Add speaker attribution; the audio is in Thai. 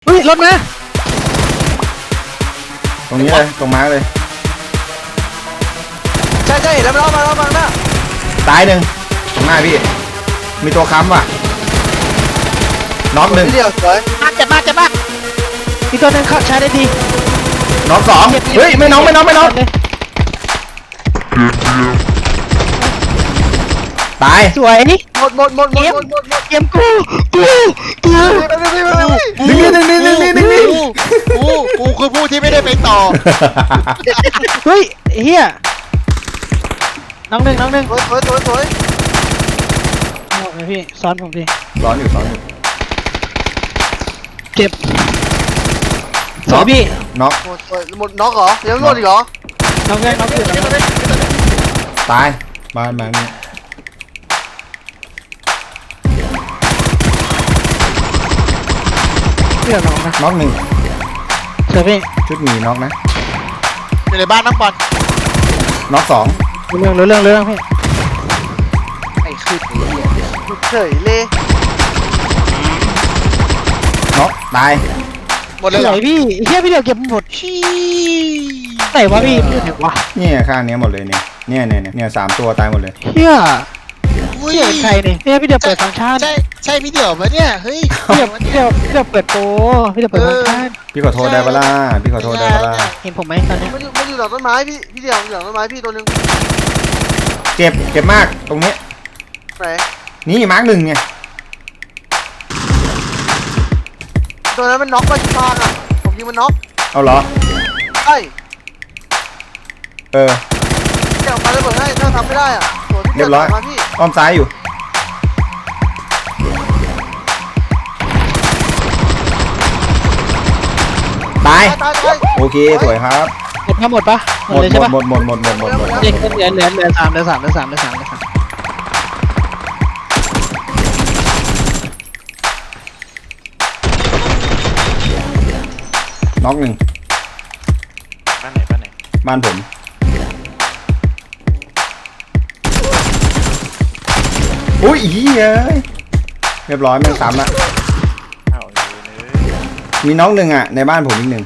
Speaker 1: ฮ้ยรถมา
Speaker 2: ตรงนี้เลยตรงมาร์คเลย
Speaker 3: ใช่เห็นแล้วมันเอามาหน้า
Speaker 2: ตายหนึ่งตรงหน้าพี่มีตัวค้ำว่ะน็อกหนึ่ง
Speaker 3: พี่เดียวสวย
Speaker 1: เจ็บมากอีกตัวหนึงเข้าใช้ได้ดี
Speaker 2: น็อกสองเฮ้ยไม่น็อกตาย
Speaker 1: สวยนี่
Speaker 3: หมด
Speaker 1: เกมกู
Speaker 2: ดึง
Speaker 4: กูคือผู้ที่ไม่ได้ไปต่อ
Speaker 1: เฮ้ยเฮียน้องหนึ่ง
Speaker 3: สวย
Speaker 1: โอ้ยพี่ซ้อนผมพี่
Speaker 2: ร้อนอยู่
Speaker 1: เจ็บสวยพี่
Speaker 2: น็อก
Speaker 3: หมดน็อกเหรอยังไม่หมดอีกเหรอ
Speaker 1: น้องอยู่น้อง
Speaker 2: ตายบ้านมานี่
Speaker 1: เพื่อนน้องนะ
Speaker 2: น็อกหนึ่ง
Speaker 1: สวยพี่
Speaker 2: ชุดหมีน็อกนะ
Speaker 4: อยู่ในบ้านน้ำบอล
Speaker 2: น็อกสอง
Speaker 1: เรื่องพี่
Speaker 3: ไอ้ขึ้นไอ้เหี้ยเฉยเลย
Speaker 2: น็อกตาย
Speaker 4: หมดเลยเห
Speaker 1: ไห
Speaker 4: ร
Speaker 1: น
Speaker 4: อ
Speaker 1: พี่เฮียพี่เดียวเก็บหมด
Speaker 4: ชี้
Speaker 1: ไหนวะพี่ไหนวะ
Speaker 2: เนี่ยข้างเนี้ยหมดเลยเนี่ยสามตัวตายหมดเลย
Speaker 1: เฮีย
Speaker 4: อุ้ย
Speaker 1: เฮียใครเนี่ยเฮียพี่เดียวเปิดฟังก์ชัน
Speaker 4: ใช่พี่เดี่ยวไหมเนี่ยเฮ้ย
Speaker 1: พี่เดียวเปิดโปรพี่เดียวเปิดฟังก์ชัน
Speaker 2: พี่ขอโทษได้ปะล่ะพี่ขอโทษได้ปะล่ะ
Speaker 1: เห็นผมไหมตอนเนี้ย
Speaker 3: มันอยู่หลังต้นไม้พี่เดียวอยู่หลังต้นไม้พี่ตัวนึง
Speaker 2: เจ็บมากตรงนี้
Speaker 3: ไหน
Speaker 2: นี่มาร์คหนึ่งเนี่ย
Speaker 3: ตัวนั้นมันน็อกไปที่ฟางอ่ะผมยิงมันน็อก
Speaker 2: เอาเหรอ
Speaker 3: ใช่
Speaker 2: เออ
Speaker 3: แกออกมาเลยเบิดให้ถ้าทำไม่ได้อ่ะตัวที่
Speaker 2: เรียบร้อย
Speaker 3: มาพี่
Speaker 2: อ้อมซ้ายอยู่ตาย
Speaker 3: ตาย
Speaker 2: โอเคสวยครับ
Speaker 1: หมดปะหมดเลยใช่ปะ
Speaker 2: หมด
Speaker 1: เหลือสามเหลือสาม
Speaker 2: น็อกหนึ่ง
Speaker 4: บ้านไหน
Speaker 2: บ้านผมอุ้ยอีเอ้ยเรียบร้อยแม่งซ้ำละ
Speaker 4: เอาเลย
Speaker 2: มีน็อกหนึ่งอ่ะในบ้านผมอีกหนึ่ง